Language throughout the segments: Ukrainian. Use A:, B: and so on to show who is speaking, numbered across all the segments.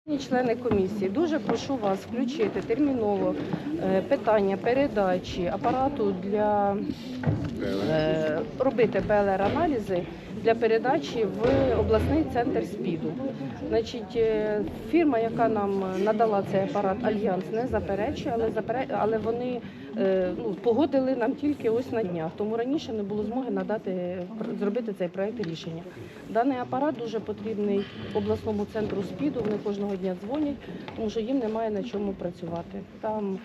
A: Члени комісії, дуже прошу вас включити терміново питання передачі апарату для робити ПЛР-аналізи для передачі в обласний центр СПІДу. Значить, фірма, яка нам надала цей апарат, Альянс, не заперечує, але вони погодили нам тільки ось на днях, тому раніше не було змоги зробити цей проєкт рішення. Даний апарат дуже потрібний обласному центру СПІДу, вони кожного дня дзвонять, тому що їм немає на чому працювати. Там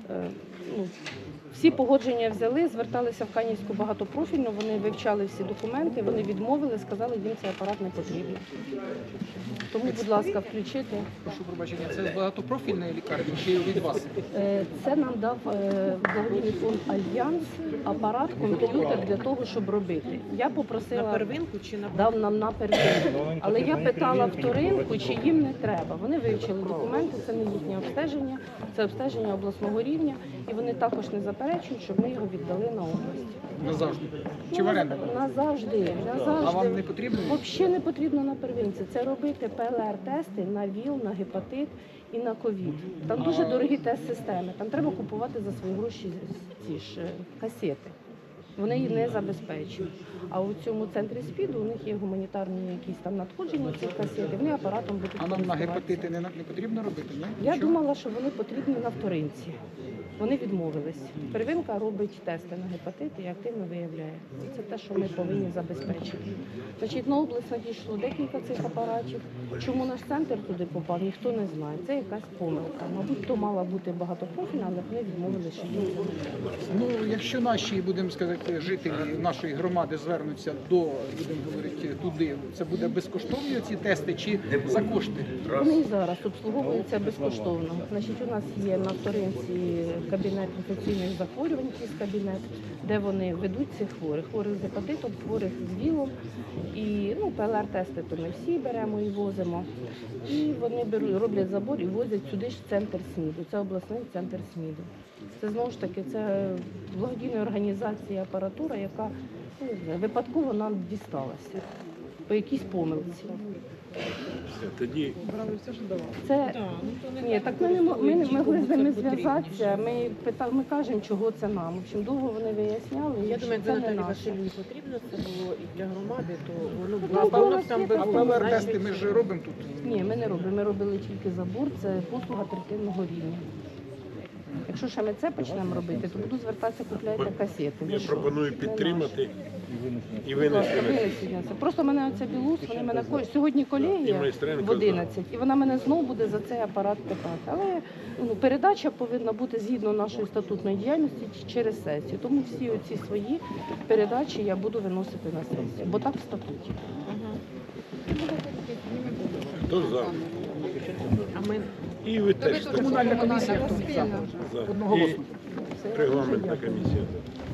A: всі погодження взяли, зверталися в Канівську багатопрофільну, вони вивчали всі документи, вони відмовили, сказали, їм цей апарат не потрібен. Тому, будь ласка, включити.
B: Прошу пробачення, це з багатопрофільної лікарні чи від вас?
A: Це нам дав благодійний фонд Альянс апарат, комп'ютер для того, щоб робити. Я попросила,
C: на первинку чи на
A: дав нам на первинку, але я питала вторинку, чи їм не треба. Вони вивчили документи, це не їхнє обстеження, це обстеження обласного рівня, і вони також не заперечують, щоб ми його віддали на область.
B: Назавжди? Чи в оренду?
A: Назавжди.
B: А вам не потрібно?
A: Взагалі не потрібно на первинці. Це робити ПЛР-тести на ВІЛ, на гепатит і на ковід. Там дуже дорогі тест-системи. Там треба купувати за свої гроші ці ж касети. Вони її не забезпечують. А у цьому центрі СПІДу у них є гуманітарні якісь там надходження цих касет, і вони апаратом будуть
B: А нам на гепатити не потрібно робити? Ні?
A: Я думала, що вони потрібні на вторинці. Вони відмовились. Первинка робить тести на гепатит і активно виявляє. Це те, що ми повинні забезпечити. Значить, на область надійшло декілька цих апаратів. Чому наш центр туди попав, ніхто не знає. Це якась помилка. Мабуть, то мала бути багатопрофільна, але вони відмовилися, що їм це не
B: Ну, якщо наші, будемо сказати, жителі нашої громади звернуться будемо говорити, туди, це буде безкоштовні ці тести чи за кошти?
A: Вони і зараз обслуговуються безкоштовно. Значить, у нас є на вторинці кабінет інфекційних захворювань, якийсь кабінет, де вони ведуть цих хворих з гепатитом, хворих з ВІЛом. І ПЛР-тести то ми всі беремо і возимо. І вони роблять забор і возять сюди ж в центр СМІДу. Це обласний центр СМІДу. Це знову ж таки це благодійна організація, апаратура, яка випадково нам дісталася по якійсь помилці.
D: Тоді
A: Ні, так ми могли з ними зв'язатися. Ми кажемо, чого це нам. В общем, довго вони виясняли.
C: Я думаю,
A: це
C: якби
A: не
C: Наталі
A: наше.
C: Васильівні потрібно це було і для громади, то воно
A: Ну,
C: було воно б там би
B: А
C: було.
B: ПЛР-тести ми ж робимо тут.
A: Ні, ми не робимо. Ми робили тільки забор, це послуга третинного рівня. Якщо ще ми це почнемо робити, то буду звертатися, купляйте касети.
D: я пропоную підтримати і
A: Винесення.
D: винести.
A: Просто мене оця білус, вони мене сьогодні колегія
D: І майстренко
A: в 11, і вона мене знову буде за цей апарат питати. Але передача повинна бути згідно нашої статутної діяльності через сесію. Тому всі оці свої передачі я буду виносити на сесію, бо так в статуті.
D: Хто за?
C: А ми
D: І ви теж.
B: Комунальна комісія.
D: За.
B: Одноголосно.
D: І регламентна комісія.